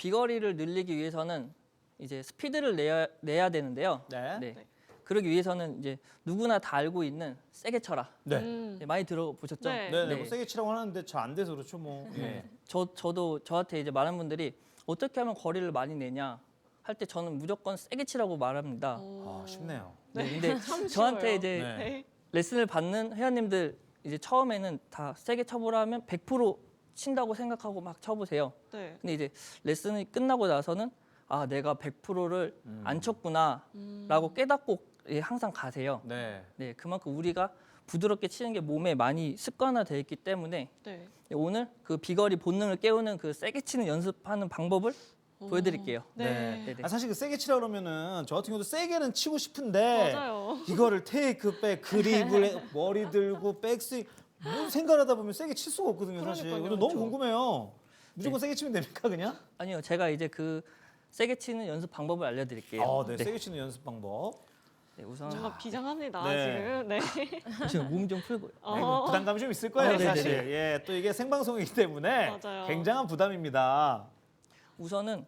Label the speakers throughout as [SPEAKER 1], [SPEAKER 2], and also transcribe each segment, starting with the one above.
[SPEAKER 1] 비거리를 늘리기 위해서는 이제 스피드를 내야 되는데요.
[SPEAKER 2] 네.
[SPEAKER 1] 네. 그러기 위해서는 이제 누구나 다 알고 있는 세게 쳐라.
[SPEAKER 2] 네.
[SPEAKER 1] 네, 많이 들어보셨죠?
[SPEAKER 3] 네.
[SPEAKER 2] 네네. 뭐 세게 치라고 하는데 잘 안 돼서 그렇죠 뭐. 예.
[SPEAKER 1] 저도 저한테 이제 많은 분들이 어떻게 하면 거리를 많이 내냐 할 때 저는 무조건 세게 치라고 말합니다.
[SPEAKER 2] 아 쉽네요.
[SPEAKER 1] 네, 근데
[SPEAKER 3] 참
[SPEAKER 1] 저한테
[SPEAKER 3] 쉬워요.
[SPEAKER 1] 이제
[SPEAKER 2] 네.
[SPEAKER 3] 네.
[SPEAKER 1] 레슨을 받는 회원님들 이제 처음에는 다 세게 쳐보라 하면 100% 친다고 생각하고 막 쳐보세요.
[SPEAKER 3] 네.
[SPEAKER 1] 근데 이제 레슨이 끝나고 나서는 아 내가 100%를 안 쳤구나라고 깨닫고 항상 가세요.
[SPEAKER 2] 네.
[SPEAKER 1] 네, 그만큼 우리가 부드럽게 치는 게 몸에 많이 습관화되어 있기 때문에
[SPEAKER 3] 네.
[SPEAKER 1] 오늘 그 비거리 본능을 깨우는 그 세게 치는 연습하는 방법을 보여드릴게요.
[SPEAKER 3] 네.
[SPEAKER 1] 네네.
[SPEAKER 2] 아, 사실 그 세게 치라 그러면은 저 같은 경우도 세게는 치고 싶은데
[SPEAKER 3] 맞아요.
[SPEAKER 2] 이거를 테이크 백 그립을 머리 들고 백스윙 뭐 생각하다 보면 세게 칠 수가 없거든요 사실.
[SPEAKER 3] 그러니까요.
[SPEAKER 2] 근데 너무
[SPEAKER 1] 그렇죠.
[SPEAKER 2] 궁금해요. 무조건 세게 치면 됩니까 그냥?
[SPEAKER 1] 아니요, 제가 이제 그 세게 치는 연습 방법을 알려드릴게요.
[SPEAKER 2] 아, 네. 세게 치는 연습 방법.
[SPEAKER 1] 네, 우선
[SPEAKER 3] 뭔가 비장합니다
[SPEAKER 2] 네.
[SPEAKER 3] 지금. 네.
[SPEAKER 1] 지금 몸 좀 풀고요.
[SPEAKER 2] 네, 부담감이 좀 있을 거예요
[SPEAKER 1] 아, 네네네.
[SPEAKER 2] 사실. 예, 또 이게 생방송이기 때문에
[SPEAKER 3] 맞아요.
[SPEAKER 2] 굉장한 부담입니다.
[SPEAKER 1] 우선은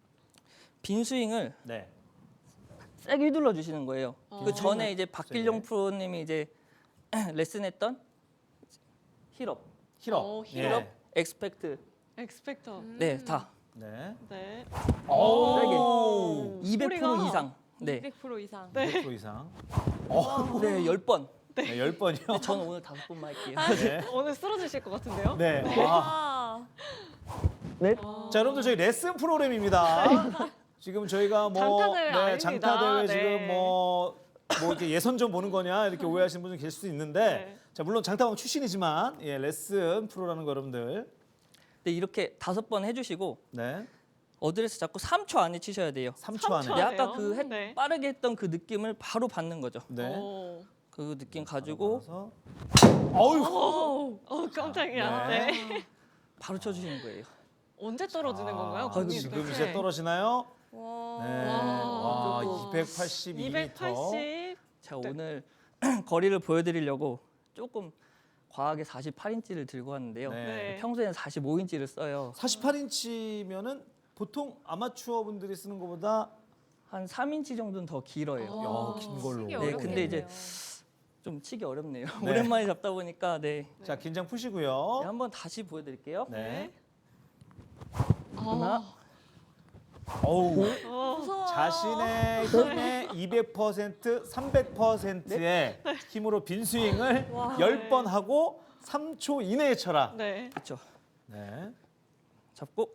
[SPEAKER 1] 빈 스윙을
[SPEAKER 2] 네.
[SPEAKER 1] 세게 휘둘러 주시는 거예요. 그 전에 이제
[SPEAKER 2] 세게.
[SPEAKER 1] 박길용 프로님이 이제 레슨했던 힐업,
[SPEAKER 2] 힐업.
[SPEAKER 3] 힐업.
[SPEAKER 1] 엑스펙트,
[SPEAKER 3] 엑스펙터.
[SPEAKER 1] 네, 다
[SPEAKER 2] 네.
[SPEAKER 3] 네.
[SPEAKER 2] 오.
[SPEAKER 1] 200%
[SPEAKER 3] 소리가.
[SPEAKER 1] 이상. 네,
[SPEAKER 4] 200% 이상.
[SPEAKER 2] 100% 이상.
[SPEAKER 1] 네, 10번.
[SPEAKER 2] 네, 10번이요.
[SPEAKER 1] 저는 오늘 5번만 할게요.
[SPEAKER 2] 네.
[SPEAKER 3] 오늘 쓰러지실 것 같은데요?
[SPEAKER 2] 네. 와.
[SPEAKER 4] 아,
[SPEAKER 1] 네.
[SPEAKER 2] 자, 여러분들 저희 레슨 프로그램입니다. 지금 저희가 뭐
[SPEAKER 3] 장타대회 아닙니다.
[SPEAKER 2] 장타대회
[SPEAKER 3] 네.
[SPEAKER 2] 지금 뭐 이렇게 예선전 보는 거냐 이렇게 오해하시는 분들 계실 수 있는데
[SPEAKER 3] 네.
[SPEAKER 2] 자, 물론 장타방 출신이지만 예, 레슨 프로라는 거 여러분들.
[SPEAKER 1] 네, 이렇게 5번 해주시고
[SPEAKER 2] 네.
[SPEAKER 1] 어드레스 잡고 3초 안에 치셔야 돼요.
[SPEAKER 2] 3초 안에.
[SPEAKER 3] 삼초
[SPEAKER 1] 네,
[SPEAKER 3] 안-
[SPEAKER 1] 아까
[SPEAKER 3] 돼요?
[SPEAKER 1] 그
[SPEAKER 3] 네.
[SPEAKER 1] 빠르게 했던 그 느낌을 바로 받는 거죠.
[SPEAKER 2] 네.
[SPEAKER 3] 오.
[SPEAKER 1] 그 느낌 가지고
[SPEAKER 2] 그래서 어우.
[SPEAKER 3] 깜짝이야.
[SPEAKER 2] 네.
[SPEAKER 3] 네.
[SPEAKER 1] 바로 쳐주시는 거예요.
[SPEAKER 3] 언제 떨어지는 건가요?
[SPEAKER 2] 아,
[SPEAKER 3] 공이
[SPEAKER 2] 지금
[SPEAKER 3] 도대체?
[SPEAKER 2] 이제 떨어지나요?
[SPEAKER 4] 와.
[SPEAKER 2] 네.
[SPEAKER 3] 와.
[SPEAKER 2] 와, 282m.
[SPEAKER 3] 280.
[SPEAKER 1] 제가
[SPEAKER 3] 네.
[SPEAKER 1] 오늘 거리를 보여드리려고 조금 과하게 48인치를 들고 왔는데요.
[SPEAKER 2] 네.
[SPEAKER 3] 네.
[SPEAKER 1] 평소에는 45인치를 써요.
[SPEAKER 2] 48인치면은 보통 아마추어 분들이 쓰는 것보다
[SPEAKER 1] 한 3인치 정도는 더 길어요.
[SPEAKER 2] 야, 긴 걸로.
[SPEAKER 4] 치기
[SPEAKER 2] 네,
[SPEAKER 1] 근데 이제
[SPEAKER 4] 어렵겠네요.
[SPEAKER 1] 좀 치기 어렵네요.
[SPEAKER 2] 네.
[SPEAKER 1] 오랜만에 잡다 보니까 네.
[SPEAKER 2] 자, 긴장 푸시고요.
[SPEAKER 1] 네, 한번 다시 보여드릴게요.
[SPEAKER 2] 네.
[SPEAKER 1] 하나,
[SPEAKER 2] 어우.
[SPEAKER 4] 무서워.
[SPEAKER 2] 자신의 힘의 200%, 300%의 힘으로 빈 스윙을
[SPEAKER 4] 와.
[SPEAKER 2] 10번 하고 3초 이내에 쳐라.
[SPEAKER 3] 네.
[SPEAKER 1] 그렇죠.
[SPEAKER 2] 네.
[SPEAKER 1] 잡고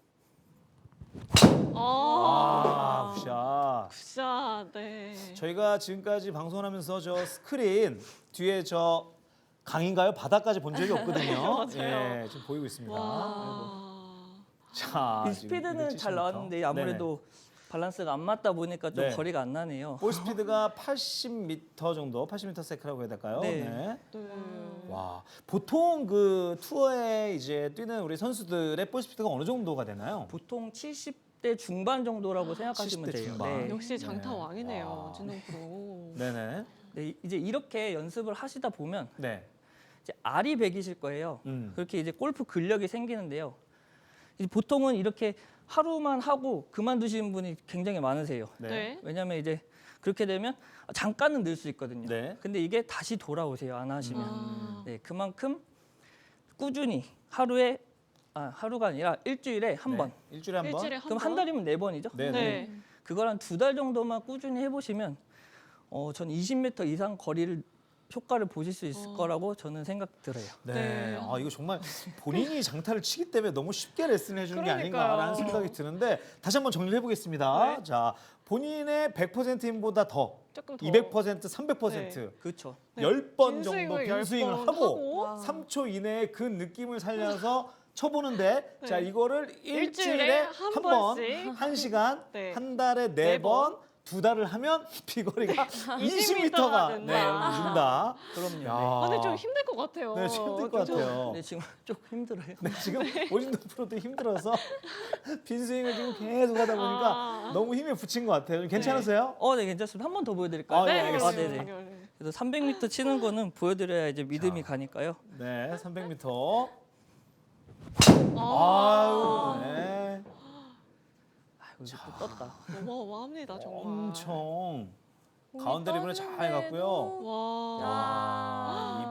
[SPEAKER 2] 아, 굿샷.
[SPEAKER 3] 굿샷. 네.
[SPEAKER 2] 저희가 지금까지 방송하면서 저 스크린 뒤에 저 강인가요? 바다까지 본 적이 없거든요.
[SPEAKER 3] 맞아요.
[SPEAKER 2] 예, 지금 보이고 있습니다.
[SPEAKER 3] 와.
[SPEAKER 2] 자,
[SPEAKER 1] 이
[SPEAKER 2] 지금
[SPEAKER 1] 스피드는
[SPEAKER 2] 270m.
[SPEAKER 1] 잘 나왔는데 아무래도 밸런스가 안 맞다 보니까 좀
[SPEAKER 2] 네.
[SPEAKER 1] 거리가 안 나네요.
[SPEAKER 2] 볼 스피드가 80m 정도, 80m 세크라고 해야 될까요?
[SPEAKER 1] 네.
[SPEAKER 3] 네.
[SPEAKER 2] 와, 보통 그 투어에 이제 뛰는 우리 선수들의 볼 스피드가 어느 정도가 되나요?
[SPEAKER 1] 보통 70대 중반 정도라고 생각하시면
[SPEAKER 2] 70대
[SPEAKER 1] 돼요.
[SPEAKER 2] 중반.
[SPEAKER 1] 네.
[SPEAKER 3] 역시 장타
[SPEAKER 2] 네.
[SPEAKER 3] 왕이네요.
[SPEAKER 2] 와.
[SPEAKER 3] 진동 프로.
[SPEAKER 2] 네네.
[SPEAKER 1] 네, 이제 이렇게 연습을 하시다 보면
[SPEAKER 2] 네.
[SPEAKER 1] 이제 알이 배기실 거예요. 그렇게 이제 골프 근력이 생기는데요. 이제 보통은 이렇게 하루만 하고 그만두시는 분이 굉장히 많으세요.
[SPEAKER 2] 네.
[SPEAKER 3] 네.
[SPEAKER 1] 왜냐하면 이제 그렇게 되면 잠깐은 늘 수 있거든요.
[SPEAKER 2] 네.
[SPEAKER 1] 근데 이게 다시 돌아오세요. 안 하시면.
[SPEAKER 3] 아.
[SPEAKER 1] 네, 그만큼 꾸준히 하루가 아니라 일주일에 한 번.
[SPEAKER 2] 일주일에 한 번.
[SPEAKER 3] 일주일에 한
[SPEAKER 1] 그럼
[SPEAKER 3] 번.
[SPEAKER 1] 한 달이면 4번이죠.
[SPEAKER 2] 네.
[SPEAKER 3] 네.
[SPEAKER 1] 그걸 한 2달 정도만 꾸준히 해보시면 전 20m 이상 거리를 효과를 보실 수 있을 거라고 저는 생각 들어요.
[SPEAKER 2] 네.
[SPEAKER 3] 네.
[SPEAKER 2] 아, 이거 정말 본인이 장타를 치기 때문에 너무 쉽게 레슨을 해주는 게
[SPEAKER 3] 그러니까요.
[SPEAKER 2] 아닌가라는 생각이 드는데 다시 한번 정리를 해보겠습니다.
[SPEAKER 3] 네.
[SPEAKER 2] 자, 본인의 100% 힘보다 더
[SPEAKER 3] 조금 더.
[SPEAKER 2] 200%, 300%
[SPEAKER 1] 그렇죠.
[SPEAKER 3] 네.
[SPEAKER 2] 10번
[SPEAKER 3] 빈
[SPEAKER 2] 정도
[SPEAKER 3] 스윙을
[SPEAKER 2] 빈
[SPEAKER 3] 10번
[SPEAKER 2] 스윙을
[SPEAKER 3] 하고.
[SPEAKER 2] 하고
[SPEAKER 4] 와.
[SPEAKER 2] 3초 이내에 그 느낌을 살려서 쳐보는데 자, 이거를
[SPEAKER 3] 일주일에
[SPEAKER 2] 일주일에
[SPEAKER 3] 한
[SPEAKER 2] 한 번,
[SPEAKER 3] 번씩.
[SPEAKER 2] 1시간,
[SPEAKER 3] 네.
[SPEAKER 2] 한 달에
[SPEAKER 3] 네
[SPEAKER 2] 4번, 2달을 하면 비거리가
[SPEAKER 3] 20m
[SPEAKER 2] 20m가
[SPEAKER 3] 가
[SPEAKER 2] 네,
[SPEAKER 3] 된다.
[SPEAKER 2] 준다.
[SPEAKER 1] 그럼요.
[SPEAKER 2] 야.
[SPEAKER 3] 아, 근데 좀 힘들 것 같아요.
[SPEAKER 2] 네, 좀 힘들 것 같아요.
[SPEAKER 1] 네, 지금 조금 힘들어요.
[SPEAKER 2] 네, 지금 오진동 프로도 힘들어서 빈 스윙을 지금 계속 하다 보니까
[SPEAKER 3] 아.
[SPEAKER 2] 너무 힘에 부친 것 같아요. 괜찮으세요?
[SPEAKER 1] 네, 괜찮습니다. 한 번 더 보여드릴까요?
[SPEAKER 2] 아, 네, 알겠습니다.
[SPEAKER 1] 네네.
[SPEAKER 3] 네.
[SPEAKER 1] 그래서 300m 치는 거는 보여드려야 이제 믿음이
[SPEAKER 2] 자.
[SPEAKER 1] 가니까요.
[SPEAKER 2] 네, 300m.
[SPEAKER 3] 아.
[SPEAKER 2] 아유, 네.
[SPEAKER 1] 떴다.
[SPEAKER 3] 어마어마합니다 정말.
[SPEAKER 2] 엄청
[SPEAKER 4] 공이
[SPEAKER 2] 가운데 리본에 잘 갔고요.
[SPEAKER 3] 와.
[SPEAKER 2] 와,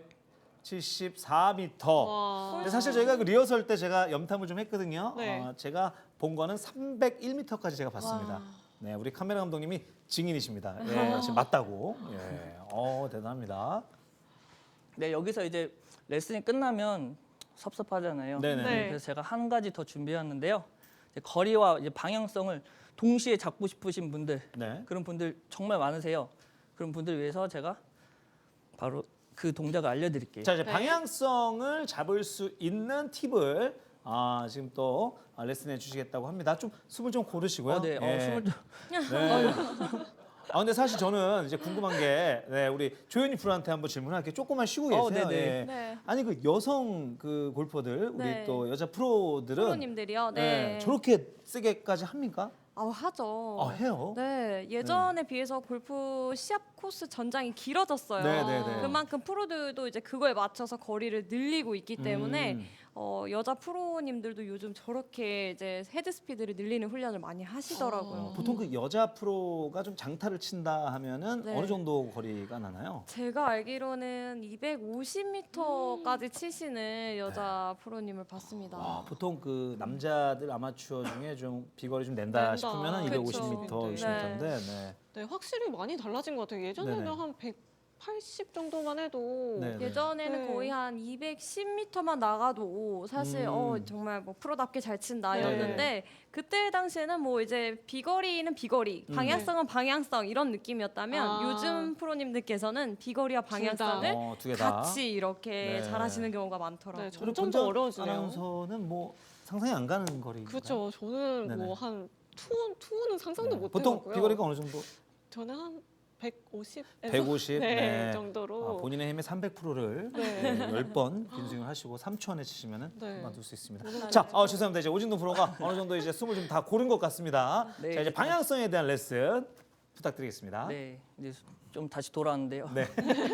[SPEAKER 2] 274m.
[SPEAKER 3] 와.
[SPEAKER 2] 근데 사실 저희가 그 리허설 때 제가 염탐을 좀 했거든요.
[SPEAKER 3] 네.
[SPEAKER 2] 제가 본 거는 301m까지 제가 봤습니다.
[SPEAKER 3] 와.
[SPEAKER 2] 네, 우리 카메라 감독님이 증인이십니다. 예, 지금 맞다고. 예, 대단합니다.
[SPEAKER 1] 네, 여기서 이제 레슨이 끝나면 섭섭하잖아요.
[SPEAKER 2] 네네.
[SPEAKER 3] 네.
[SPEAKER 1] 그래서 제가 한 가지 더 준비했는데요. 이제 거리와 이제 방향성을 동시에 잡고 싶으신 분들,
[SPEAKER 2] 네.
[SPEAKER 1] 그런 분들 정말 많으세요. 그런 분들 위해서 제가 바로 그 동작을 알려드릴게요.
[SPEAKER 2] 자, 이제
[SPEAKER 3] 네.
[SPEAKER 2] 방향성을 잡을 수 있는 팁을 지금 또 레슨해 주시겠다고 합니다. 좀 숨을 좀 고르시고요.
[SPEAKER 1] 네,
[SPEAKER 2] 예.
[SPEAKER 1] 숨을 좀
[SPEAKER 2] 네. 근데 사실 저는 이제 궁금한 게 우리 조현희 프로한테 한번 질문할게요. 조금만 쉬고 계세요.
[SPEAKER 1] 네네.
[SPEAKER 2] 예.
[SPEAKER 4] 네.
[SPEAKER 2] 아니 그 여성 그 골퍼들 우리
[SPEAKER 4] 네.
[SPEAKER 2] 또 여자 프로들은
[SPEAKER 4] 프로님들이요. 네.
[SPEAKER 2] 저렇게 세게까지 합니까?
[SPEAKER 4] 하죠.
[SPEAKER 2] 해요.
[SPEAKER 4] 네, 예전에 비해서 골프 시합 코스 전장이 길어졌어요.
[SPEAKER 2] 네.
[SPEAKER 4] 그만큼 프로들도 이제 그거에 맞춰서 거리를 늘리고 있기 때문에 여자 프로님들도 요즘 저렇게 이제 헤드 스피드를 늘리는 훈련을 많이 하시더라고요.
[SPEAKER 2] 보통 그 여자 프로가 좀 장타를 친다 하면은
[SPEAKER 4] 네.
[SPEAKER 2] 어느 정도 거리가 나나요?
[SPEAKER 4] 제가 알기로는 250m까지 치시는 여자 프로님을 봤습니다.
[SPEAKER 2] 보통 그 남자들 아마추어 중에 좀 비거리 좀 낸다
[SPEAKER 3] 낸다.
[SPEAKER 2] 싶으면은
[SPEAKER 4] 그쵸.
[SPEAKER 2] 250m, 60m인데 네.
[SPEAKER 3] 네, 확실히 많이 달라진 것 같아요. 예전에는
[SPEAKER 2] 네네.
[SPEAKER 3] 한 180 정도만 해도
[SPEAKER 2] 네.
[SPEAKER 4] 예전에는
[SPEAKER 3] 네.
[SPEAKER 4] 거의 한 210m만 나가도 사실 정말 뭐 프로답게 잘 친다였는데
[SPEAKER 3] 네.
[SPEAKER 4] 그때 당시에는 뭐 이제 비거리는 비거리, 방향성은 방향성 이런 느낌이었다면 요즘 프로님들께서는 비거리와 방향성을
[SPEAKER 2] 두 개 다.
[SPEAKER 4] 같이 이렇게
[SPEAKER 2] 네.
[SPEAKER 4] 잘하시는 경우가 많더라고요.
[SPEAKER 3] 네,
[SPEAKER 2] 그리고
[SPEAKER 3] 점점 더 어려워지네요.
[SPEAKER 2] 아나운서는 뭐 상상이 안 가는 거리인가요?
[SPEAKER 3] 그렇죠. 저는
[SPEAKER 2] 네네.
[SPEAKER 3] 뭐 한 투어는 상상도 못
[SPEAKER 2] 보통
[SPEAKER 3] 해봤고요.
[SPEAKER 2] 비거리가 어느 정도?
[SPEAKER 3] 저는 한 150에서
[SPEAKER 2] 150
[SPEAKER 3] 네, 정도로.
[SPEAKER 2] 본인의 힘의 300%를
[SPEAKER 3] 네.
[SPEAKER 2] 10번 빈스윙을 하시고 3초 안에 치시면은
[SPEAKER 3] 네.
[SPEAKER 2] 그만둘 수 있습니다.
[SPEAKER 3] 오늘
[SPEAKER 2] 자, 죄송합니다. 이제 오진동 프로가 어느 정도 이제 숨을 좀 다 고른 것 같습니다.
[SPEAKER 1] 네,
[SPEAKER 2] 자, 이제 방향성에 대한 레슨 부탁드리겠습니다.
[SPEAKER 1] 네, 이제 좀 다시 돌아왔는데요.
[SPEAKER 2] 네.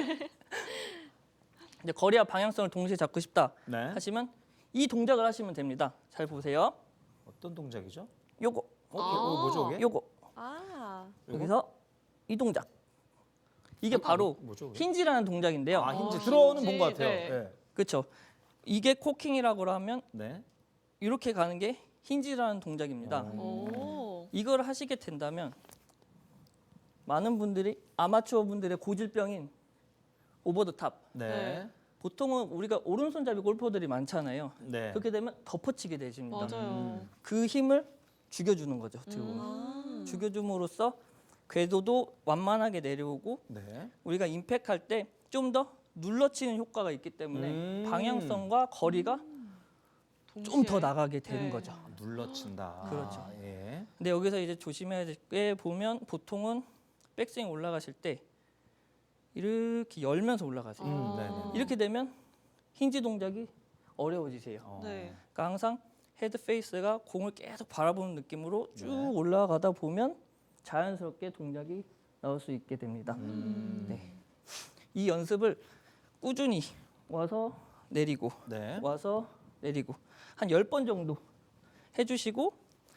[SPEAKER 1] 이제 거리와 방향성을 동시에 잡고 싶다
[SPEAKER 2] 네.
[SPEAKER 1] 하시면 이 동작을 하시면 됩니다. 잘 보세요.
[SPEAKER 2] 어떤 동작이죠?
[SPEAKER 1] 요거,
[SPEAKER 2] 뭐죠, 이게?
[SPEAKER 1] 요거.
[SPEAKER 4] 아,
[SPEAKER 1] 여기서 이 동작. 이게 바로
[SPEAKER 2] 뭐죠? 그게?
[SPEAKER 1] 힌지라는 동작인데요.
[SPEAKER 2] 힌지
[SPEAKER 3] 어,
[SPEAKER 2] 들어오는
[SPEAKER 3] 힌지,
[SPEAKER 2] 본 것 같아요.
[SPEAKER 3] 네.
[SPEAKER 2] 네.
[SPEAKER 1] 그렇죠. 이게 코킹이라고 하면
[SPEAKER 2] 네.
[SPEAKER 1] 이렇게 가는 게 힌지라는 동작입니다.
[SPEAKER 3] 오.
[SPEAKER 1] 이걸 하시게 된다면 많은 분들이 아마추어 분들의 고질병인 오버 더 탑.
[SPEAKER 2] 네.
[SPEAKER 3] 네.
[SPEAKER 1] 보통은 우리가 오른손잡이 골퍼들이 많잖아요.
[SPEAKER 2] 네.
[SPEAKER 1] 그렇게 되면 덮어치게 되십니다.
[SPEAKER 3] 맞아요.
[SPEAKER 1] 그 힘을 죽여주는 거죠. 어떻게 보면. 죽여줌으로써 궤도도 완만하게 내려오고
[SPEAKER 2] 네.
[SPEAKER 1] 우리가 임팩할 때 좀 더 눌러치는 효과가 있기 때문에 방향성과 거리가 좀 더
[SPEAKER 3] 동시에.
[SPEAKER 1] 나가게 되는
[SPEAKER 3] 네.
[SPEAKER 1] 거죠.
[SPEAKER 2] 눌러친다.
[SPEAKER 1] 그렇죠.
[SPEAKER 2] 예.
[SPEAKER 1] 근데 여기서 이제 조심해야 될 게 보면 보통은 백스윙 올라가실 때 이렇게 열면서 올라가세요.
[SPEAKER 2] 네네.
[SPEAKER 1] 이렇게 되면 힌지 동작이 어려워지세요.
[SPEAKER 3] 네.
[SPEAKER 1] 그러니까 항상 헤드 페이스가 공을 계속 바라보는 느낌으로 쭉
[SPEAKER 2] 네.
[SPEAKER 1] 올라가다 보면 자연스럽게 동작이 나올 수 있게 됩니다. 네. 이 연습을 꾸준히 와서 내리고
[SPEAKER 2] 네.
[SPEAKER 1] 와서 내리고 한 10번 정도 해주시고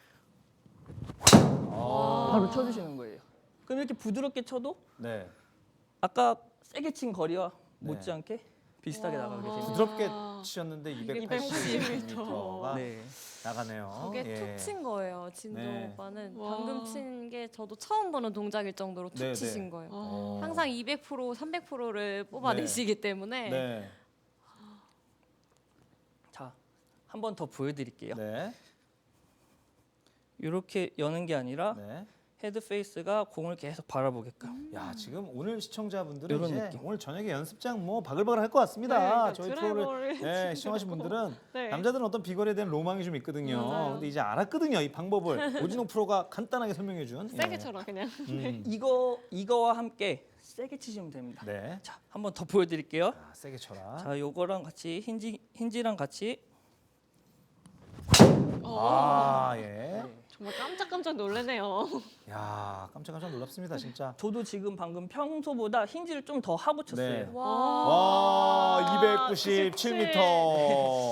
[SPEAKER 1] 바로 쳐주시는 거예요. 그럼 이렇게 부드럽게 쳐도
[SPEAKER 2] 네.
[SPEAKER 1] 아까 세게 친 거리와
[SPEAKER 2] 네.
[SPEAKER 1] 못지않게 비슷하게 나가게 됩니다.
[SPEAKER 2] 부드럽게 치셨는데
[SPEAKER 3] 280m.
[SPEAKER 2] 280m가
[SPEAKER 1] 네.
[SPEAKER 2] 나가네요.
[SPEAKER 4] 그게
[SPEAKER 2] 예.
[SPEAKER 4] 툭 친 거예요. 진종
[SPEAKER 2] 네.
[SPEAKER 4] 오빠는
[SPEAKER 3] 와.
[SPEAKER 4] 방금 친 게 저도 처음 보는 동작일 정도로 툭
[SPEAKER 2] 네,
[SPEAKER 4] 치신
[SPEAKER 2] 네.
[SPEAKER 4] 거예요.
[SPEAKER 3] 아.
[SPEAKER 4] 항상 200%, 300%를 뽑아내시기 때문에
[SPEAKER 2] 네.
[SPEAKER 1] 자, 한 번 더 보여드릴게요.
[SPEAKER 2] 네.
[SPEAKER 1] 이렇게 여는 게 아니라
[SPEAKER 2] 네.
[SPEAKER 1] 헤드 페이스가 공을 계속 바라보게끔.
[SPEAKER 2] 야, 지금 오늘 시청자분들은
[SPEAKER 1] 이런
[SPEAKER 2] 이제
[SPEAKER 1] 느낌.
[SPEAKER 2] 오늘 저녁에 연습장 뭐 바글바글 할 것 같습니다.
[SPEAKER 3] 네, 그러니까
[SPEAKER 2] 저희
[SPEAKER 3] 드라이버를
[SPEAKER 2] 프로를 시청하신
[SPEAKER 3] 치려고.
[SPEAKER 2] 분들은
[SPEAKER 3] 네.
[SPEAKER 2] 남자들은 어떤 비거리에 대한 로망이 좀 있거든요.
[SPEAKER 3] 맞아요.
[SPEAKER 2] 근데 이제 알았거든요. 이 방법을 오진호 프로가 간단하게 설명해 준.
[SPEAKER 3] 세게 쳐라 그냥.
[SPEAKER 1] 이거와 함께 세게 치시면 됩니다.
[SPEAKER 2] 네.
[SPEAKER 1] 자, 한 번 더 보여드릴게요.
[SPEAKER 2] 세게 쳐라.
[SPEAKER 1] 자, 요거랑 같이 힌지랑 같이.
[SPEAKER 2] 예.
[SPEAKER 3] 정말 깜짝깜짝 놀라네요.
[SPEAKER 2] 야, 깜짝깜짝 놀랍습니다, 진짜.
[SPEAKER 1] 저도 지금 방금 평소보다 힌지를 좀 더 하고 쳤어요.
[SPEAKER 2] 네.
[SPEAKER 4] 와,
[SPEAKER 2] 와, 297m.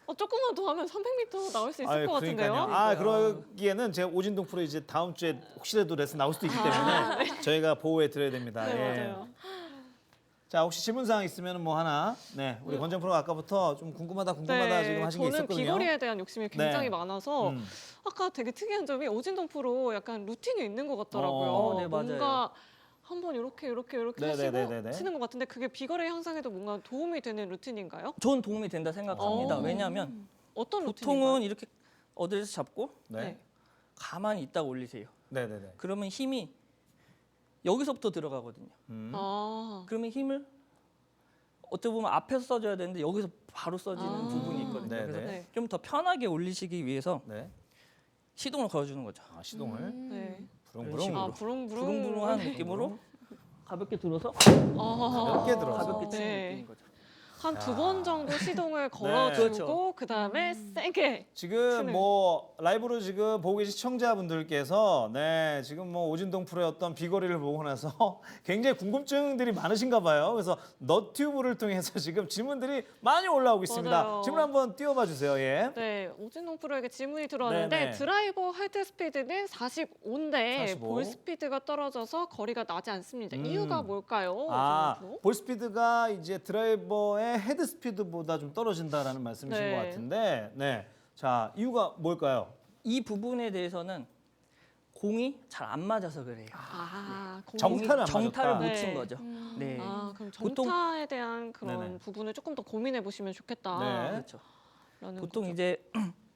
[SPEAKER 3] 조금만 더 하면 300m 나올 수 있을 것 같은데요.
[SPEAKER 2] 아, 그러기에는 제가 오진동 프로 이제 다음 주에 혹시라도 레슨 나올 수도 있기 때문에 저희가 보호해 드려야 됩니다.
[SPEAKER 3] 네,
[SPEAKER 2] 예.
[SPEAKER 3] 맞아요.
[SPEAKER 2] 자, 혹시 질문 사항 있으면 뭐 하나. 네, 우리 권정 프로가 아까부터 좀 궁금하다 지금 하신 게
[SPEAKER 3] 저는
[SPEAKER 2] 있었거든요.
[SPEAKER 3] 비거리에 대한 욕심이 굉장히
[SPEAKER 2] 네.
[SPEAKER 3] 많아서 아까 되게 특이한 점이 오진동 프로 약간 루틴이 있는 것 같더라고요.
[SPEAKER 1] 네, 맞아요.
[SPEAKER 3] 뭔가 한번 이렇게
[SPEAKER 2] 네,
[SPEAKER 3] 하시고
[SPEAKER 2] 네, 네, 네.
[SPEAKER 3] 치는 것 같은데 그게 비거리 향상에도 뭔가 도움이 되는 루틴인가요?
[SPEAKER 1] 전 도움이 된다 생각합니다.
[SPEAKER 3] 어.
[SPEAKER 1] 왜냐하면
[SPEAKER 3] 어떤
[SPEAKER 1] 보통은
[SPEAKER 3] 루틴인가요?
[SPEAKER 1] 이렇게 어디에서 잡고
[SPEAKER 2] 네.
[SPEAKER 1] 가만히 있다가 올리세요.
[SPEAKER 2] 네, 네, 네.
[SPEAKER 1] 그러면 힘이 여기서부터 들어가거든요.
[SPEAKER 3] 아,
[SPEAKER 1] 그러면 힘을 어떻게 보면 앞에서 써줘야 되는데 여기서 바로 써지는
[SPEAKER 3] 아.
[SPEAKER 1] 부분이 있거든요.
[SPEAKER 2] 네,
[SPEAKER 1] 그래서
[SPEAKER 3] 네.
[SPEAKER 1] 좀 더 편하게 올리시기 위해서
[SPEAKER 2] 네.
[SPEAKER 1] 시동을 걸어주는 거죠.
[SPEAKER 2] 아, 시동을
[SPEAKER 3] 네.
[SPEAKER 2] 부릉부릉.
[SPEAKER 3] 아, 부릉부릉.
[SPEAKER 1] 부릉부릉한 느낌으로 가볍게 들어서
[SPEAKER 3] 아,
[SPEAKER 2] 가볍게 들어서.
[SPEAKER 1] 가볍게 치는
[SPEAKER 3] 네.
[SPEAKER 1] 느낌인 거죠.
[SPEAKER 3] 한 두 번 정도 시동을
[SPEAKER 1] 그렇죠.
[SPEAKER 3] 걸어주고 그다음에 세게.
[SPEAKER 2] 지금
[SPEAKER 3] 치는.
[SPEAKER 2] 뭐 라이브로 지금 보고 계신 시청자분들께서 네 지금 뭐 오진동 프로의 어떤 비거리를 보고 나서 굉장히 궁금증들이 많으신가 봐요. 그래서 너튜브를 통해서 지금 질문들이 많이 올라오고 있습니다.
[SPEAKER 3] 맞아요.
[SPEAKER 2] 질문 한번 띄워봐 주세요. 예.
[SPEAKER 3] 네, 오진동 프로에게 질문이 들어왔는데
[SPEAKER 2] 네네.
[SPEAKER 3] 드라이버 헤드 스피드는 45인데
[SPEAKER 2] 45.
[SPEAKER 3] 볼 스피드가 떨어져서 거리가 나지 않습니다.
[SPEAKER 2] 음.
[SPEAKER 3] 이유가 뭘까요?
[SPEAKER 2] 아,
[SPEAKER 3] 오진동 프로?
[SPEAKER 2] 볼 스피드가 이제 드라이버의 헤드 스피드보다 좀 떨어진다라는 말씀이신
[SPEAKER 3] 네.
[SPEAKER 2] 것 같은데, 네. 자, 이유가 뭘까요?
[SPEAKER 1] 이 부분에 대해서는 공이 잘 안 맞아서 그래요.
[SPEAKER 3] 아, 공이-
[SPEAKER 2] 정타를 안
[SPEAKER 1] 정타를
[SPEAKER 2] 맞았다.
[SPEAKER 1] 못
[SPEAKER 3] 네.
[SPEAKER 1] 친 거죠. 네.
[SPEAKER 3] 아, 그럼
[SPEAKER 1] 보통-
[SPEAKER 3] 정타에 대한 그런
[SPEAKER 2] 네네.
[SPEAKER 3] 부분을 조금 더 고민해 보시면 좋겠다.
[SPEAKER 2] 네.
[SPEAKER 1] 그렇죠.
[SPEAKER 3] 라는
[SPEAKER 1] 보통
[SPEAKER 3] 거죠.
[SPEAKER 1] 이제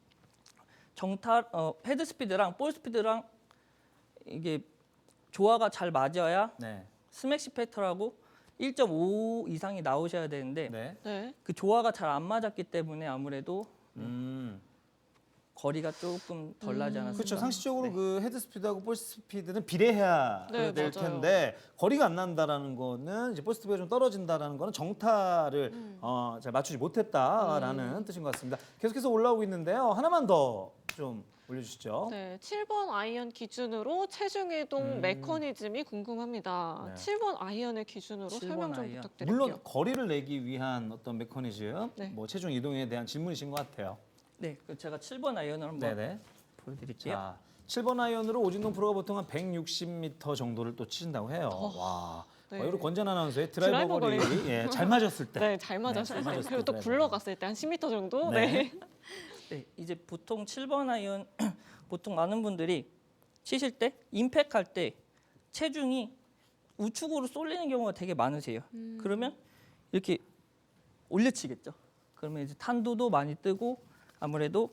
[SPEAKER 1] 헤드 스피드랑 볼 스피드랑 이게 조화가 잘 맞아야
[SPEAKER 2] 네.
[SPEAKER 1] 스매시 패턴하고 1.5 이상이 나오셔야 되는데
[SPEAKER 2] 네.
[SPEAKER 3] 네.
[SPEAKER 1] 그 조화가 잘 안 맞았기 때문에 아무래도
[SPEAKER 2] 음.
[SPEAKER 1] 거리가 조금 덜 나지 않았을까.
[SPEAKER 2] 그렇죠. 상식적으로
[SPEAKER 1] 네.
[SPEAKER 2] 그 헤드 스피드하고 볼 스피드는 비례해야
[SPEAKER 3] 네,
[SPEAKER 2] 될
[SPEAKER 3] 맞아요.
[SPEAKER 2] 텐데 거리가 안 난다라는 거는 이제 볼 스피드가 좀 떨어진다라는 거는 정타를 잘 맞추지 못했다라는 뜻인 것 같습니다. 계속해서 올라오고 있는데요. 하나만 더 좀 올려주시죠.
[SPEAKER 3] 네, 7번 아이언 기준으로 체중 이동 메커니즘이 궁금합니다.
[SPEAKER 2] 네.
[SPEAKER 3] 7번 아이언을 기준으로
[SPEAKER 1] 7번
[SPEAKER 3] 설명 좀
[SPEAKER 1] 아이언.
[SPEAKER 3] 부탁드릴게요.
[SPEAKER 2] 물론 거리를 내기 위한 어떤 메커니즘,
[SPEAKER 3] 네.
[SPEAKER 2] 뭐 체중 이동에 대한 질문이신 것 같아요.
[SPEAKER 1] 네, 그 제가 7번 아이언을 한번
[SPEAKER 2] 네네.
[SPEAKER 1] 보여드릴게요.
[SPEAKER 2] 자, 7번 아이언으로 오진동 프로가 보통 한 160m 정도를 또 치신다고 해요. 와,
[SPEAKER 3] 네.
[SPEAKER 2] 우리 권전 아나운서의 드라이버
[SPEAKER 3] 드라이버
[SPEAKER 2] 거리 예, 잘 맞았을 때.
[SPEAKER 3] 네, 잘 맞았어요.
[SPEAKER 2] 잘 맞았을
[SPEAKER 3] 그리고 또
[SPEAKER 2] 때
[SPEAKER 3] 굴러갔을 때 한 10m 정도.
[SPEAKER 2] 네.
[SPEAKER 3] 네.
[SPEAKER 1] 네, 이제 보통 7번 아이언 보통 많은 분들이 치실 때 임팩 할 때 체중이 우측으로 쏠리는 경우가 되게 많으세요. 그러면 이렇게 올려치겠죠. 그러면 이제 탄도도 많이 뜨고 아무래도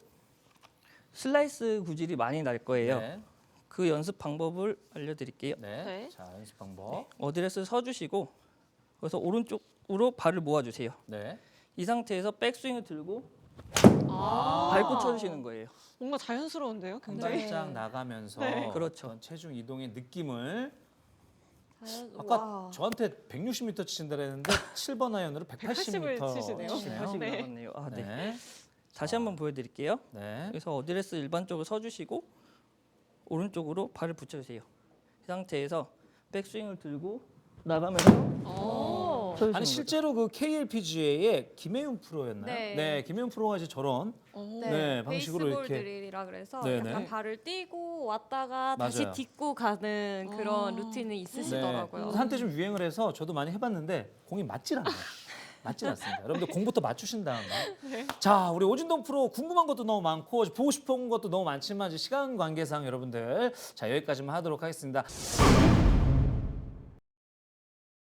[SPEAKER 1] 슬라이스 구질이 많이 날 거예요.
[SPEAKER 2] 네.
[SPEAKER 1] 그 연습 방법을 알려드릴게요.
[SPEAKER 2] 네.
[SPEAKER 3] 네.
[SPEAKER 2] 자, 연습 방법.
[SPEAKER 1] 어드레스 서주시고 그래서 오른쪽으로 발을 모아주세요.
[SPEAKER 2] 네.
[SPEAKER 1] 이 상태에서 백스윙을 들고
[SPEAKER 3] 아,
[SPEAKER 1] 밟고 쳐주시는 거예요.
[SPEAKER 3] 뭔가 자연스러운데요,
[SPEAKER 2] 한
[SPEAKER 3] 굉장히.
[SPEAKER 2] 발짝 나가면서
[SPEAKER 3] 네.
[SPEAKER 1] 그렇죠.
[SPEAKER 2] 어떤 체중 이동의 느낌을 아까
[SPEAKER 4] 와.
[SPEAKER 2] 저한테 160m 치신다 그랬는데 7번 아이언으로
[SPEAKER 3] 180을
[SPEAKER 2] 180m
[SPEAKER 3] 치시네요.
[SPEAKER 2] 치시네요.
[SPEAKER 1] 80이
[SPEAKER 3] 네.
[SPEAKER 1] 나왔네요. 아, 네.
[SPEAKER 2] 네.
[SPEAKER 1] 다시 한번 보여드릴게요.
[SPEAKER 2] 네.
[SPEAKER 1] 그래서 어드레스 일반적으로 서주시고 오른쪽으로 발을 붙여주세요. 이 상태에서 백스윙을 들고 나가면서
[SPEAKER 3] 오.
[SPEAKER 1] 쳐주시는
[SPEAKER 2] 아니
[SPEAKER 1] 거죠.
[SPEAKER 2] 실제로 그 KLPGA의 김혜윤 프로였나요?
[SPEAKER 4] 네.
[SPEAKER 2] 김혜윤 프로가 이제 저런
[SPEAKER 3] 오.
[SPEAKER 2] 네, 방식으로
[SPEAKER 4] 베이스볼
[SPEAKER 2] 이렇게.
[SPEAKER 4] 드릴이라 그래서
[SPEAKER 2] 네네.
[SPEAKER 4] 약간 발을 띄고 왔다가 다시
[SPEAKER 2] 맞아요.
[SPEAKER 4] 딛고 가는 그런
[SPEAKER 3] 아.
[SPEAKER 4] 루틴이 있으시더라고요.
[SPEAKER 2] 네. 한때 좀 유행을 해서 저도 많이 해봤는데 공이 맞질 않아요. 맞질 않습니다. 여러분들 공부터 맞추신 다음에. 자, 우리 오진동 프로 궁금한 것도 너무 많고 보고 싶은 것도 너무 많지만 이제 시간 관계상 여러분들 자 여기까지만 하도록 하겠습니다.